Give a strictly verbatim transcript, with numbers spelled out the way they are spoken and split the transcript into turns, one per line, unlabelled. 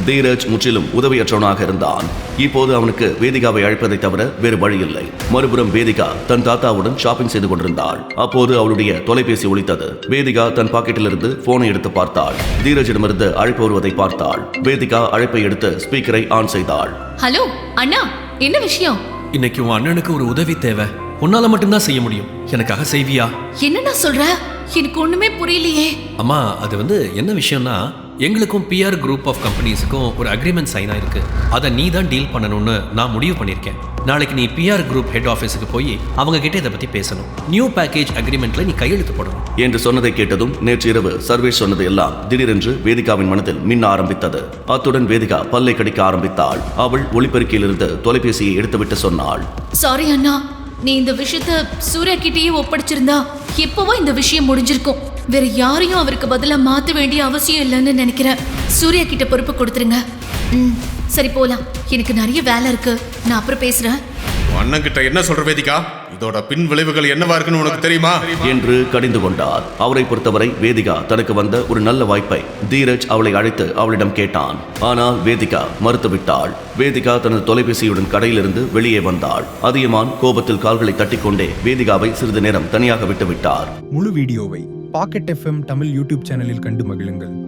தீரஜ் முற்றிலும் உதவியற்றவனாக இருந்தான். இப்போது அவனுக்கு வேதிகாவை அழைப்பதை தவிர வேறு வழியில்லை. மறுபுறம் வேதிகா தன் தாத்தாவுடன் ஷாப்பிங் செய்து கொண்டிருந்தாள். அப்போது அவளுடைய தொலைபேசி ஒலித்தது. வேதிகா தன் பாக்கெட்டிலிருந்து போனை எடுத்து பார்த்தாள். தீரஜிடமிருந்து அழைப்பு வருவதை பார்த்தாள். வேதிகா அழைப்பை எடுத்து ஸ்பீக்கரை ஆன் செய்தாள்.
ஹலோ அண்ணா, என்ன விஷயம்?
இன்னைக்கு உன் அண்ணனுக்கு ஒரு உதவி தேவை. உன்னால மட்டும்தான் செய்ய முடியும். எனக்காக செய்வியா?
என்னண்ணா சொல்ற? எனக்கு ஒண்ணுமே புரியலையே.
அம்மா, அது வந்து என்ன விஷயம்னா, எங்களுக்கும் பிஆர் குரூப் ஆஃப் கம்பெனிஸுக்கும் ஒரு அக்ரிமெண்ட் சைன் ஆயிருக்கு. அதை நீ தான் டீல் பண்ணணும்னு நான் முடிவு பண்ணியிருக்கேன். நாளைக்கு நீ பிஆர் குரூப் ஹெட் ஆஃபீஸுக்கு போய் அவங்க கிட்ட இதை பற்றி பேசணும். நியூ பேக்கேஜ் அக்ரிமெண்ட்ல நீ கையெழுத்து போடணும்
என்று சொன்னதை கேட்டதும் நேற்று இரவு சர்வேஷ் சொன்னது எல்லாம் திடீரென்று வேதிகாவின் மனதில் மின்ன ஆரம்பித்தது. அத்துடன் வேதிகா பல்லை கடிக்க ஆரம்பித்தாள். அவள் ஒளிபெருக்கியிலிருந்து தொலைபேசியை எடுத்துவிட்டு சொன்னாள்.
சாரி அண்ணா, நீ இந்த விஷயத்த சூர்யா கிட்டேயே ஒப்படைச்சிருந்தா எப்பவோ இந்த விஷயம் முடிஞ்சிருக்கும். வேற யாரையும் அவருக்கு பதிலா மாத்த வேண்டிய அவசியம் இல்லைன்னு நினைக்கிறேன். சூர்யா கிட்ட பொறுப்பு கொடுத்துருங்க. ம், சரி போலாம். எனக்கு நிறைய வேலை இருக்கு. நான் அப்புறம் பேசுறேன்.
அண்ணன் கிட்ட என்ன சொல்ற வேதிகா? இதோட பின் விளைவுகள் என்னவா இருக்குன்னு உனக்கு தெரியுமா
என்று கடிந்து கொண்டார். அவரை பொறுத்தவரை வேதிகா தனக்கு வந்த ஒரு நல்ல வாய்ப்பை தீரஜ் அவளை அழைத்து அவளிடம் கேட்டான். ஆனால் வேதிகா மறுத்துவிட்டாள். வேதிகா தனது தொலைபேசியுடன் கடையிலிருந்து வெளியே வந்தாள். அதியமான் கோபத்தில் கால்களை தட்டிக்கொண்டே வேதிகாவை சிறிது நேரம் தனியாக விட்டுவிட்டார்.
முழு வீடியோவை பாக்கெட் எஃப்எம் தமிழ் யூடியூப் சேனலில் கண்டு மகிழுங்கள்.